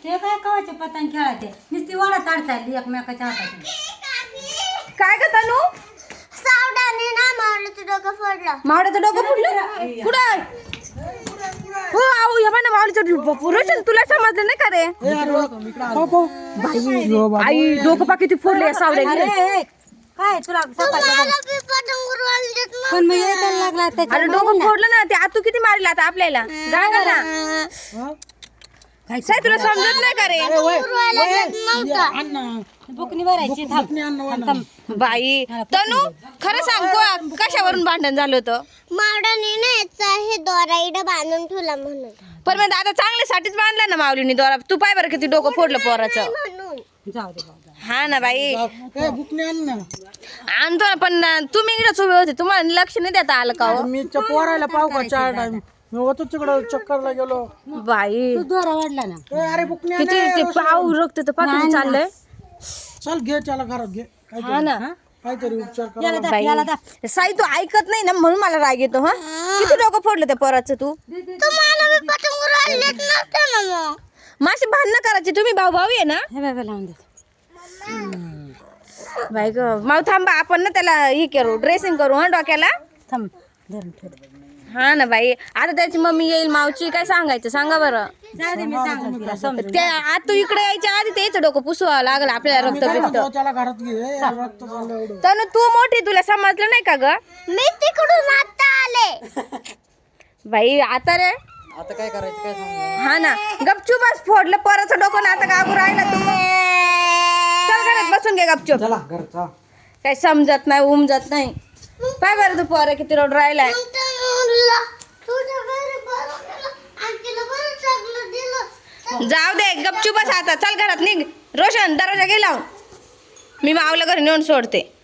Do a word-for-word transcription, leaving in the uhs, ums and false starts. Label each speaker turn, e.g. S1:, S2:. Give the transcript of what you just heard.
S1: ते काय कवाचे पतंग खेळायचे नुसती वाडा ताड चालली एकमेकाच्या हातात.
S2: काय ग तनू?
S3: सावडाने ना मावळीचं डोकं फोडलं.
S2: मावळ्याचं डोकं फुटलं? कुठं? हो आऊ या ना मावळीचं पुरुष तुला समजलं नाही का रे? बाई आई डोकं पा किती फोडले सावड्या.
S1: अरे काय तुला
S3: मला बी पतंग उडवायला देत नव्हते.
S1: पण मग यायला लागला त्याच्या
S2: अरे डोकं फोडलं ना ते आतू किती मारला आता आपल्याला. जागा ना
S1: काय
S2: साई तुला समजत नाही का रे?
S3: उडवायला देत नव्हतं.
S1: बुकनी भरायची थांब.
S2: बाई तनू खरं सांग को कशावरून भांडण झालं होतं?
S3: मावडाने ना याचा हे दोरा इडं बांधून ठेवला म्हणून.
S2: पण मग दादा चांगल्यासाठीच बांधला ना माऊलीने दोरा. तू पाय बरं किती डोकं फोडलं पोराचं.
S3: म्हणून
S1: जाऊ दे बाबा.
S2: हा ना बाई आणतो ना पण तुम्ही इकडे उभे होते तुम्हाला लक्ष नाही देता आलं का हो?
S4: मी पोरायला पाहू का चार टाइम मी होतो तिकडं चक्करला गेलो.
S2: बाई
S1: तू दोरा वाढला ना.
S4: ए, अरे बुकने
S2: किती ते पाव रक्त तर पाकिट चाललंय.
S4: चल घे त्याला घरात घे
S2: हा ना
S4: काहीतरी उपचार कर.
S1: याला दाब, याला दाब.
S2: साई तू ऐकत नाही ना म्हणून मला राग येतो. हा किती डोकं फोडलं त्या पोराचं तू.
S3: तुम्हाला बी पतंग उडवायला देत नव्हतं ना मग.
S2: माझी भांडणं करायची तुम्ही भाऊ भाऊ आहे ना.
S1: हे बाबा लावून दे.
S2: बाई ग माऊ थांबा आपण ना त्याला हे करू ड्रेसिंग करू हा डोक्याला.
S1: थांब धरून ठेव.
S2: हा ना बाई आता त्याची मम्मी येईल मावची काय सांगायचं सांगा बरं.
S1: जाऊ दे मी सांगतो तिला समजून.
S2: त्या आता तू इकडे यायच्या आधी त्याचं डोकं पुसवा लागलं आपल्याला रक्त बिक्त.
S4: त्याला घरात घे ए, रक्त चाललं एवढं.
S2: तर तू मोठी तुला समजलं नाही का ग?
S3: मी तिकडून आता आले.
S2: बाई आता रे
S4: आता काय करायचं काय सांग.
S2: हा ना गपचूपच फोडलं पोराचं डोकं ना आता गागू राहिला तू. चल घरात बसून घे गपचूप.
S4: चला घरचा
S2: काही समजत नाही उमजत नाही. पाय बरं तू पोरं किती रोड राहिलाय.
S3: मग त्यानं म्हणलं, तुझ्या घरी बरं केलं आणि तिला बरं चांगलं दिलं.
S2: जाऊ दे गपचूपच आता चल घरात निघ. रोशन दरवाजा घे लावून मी मावला घरी नेऊन सोडते.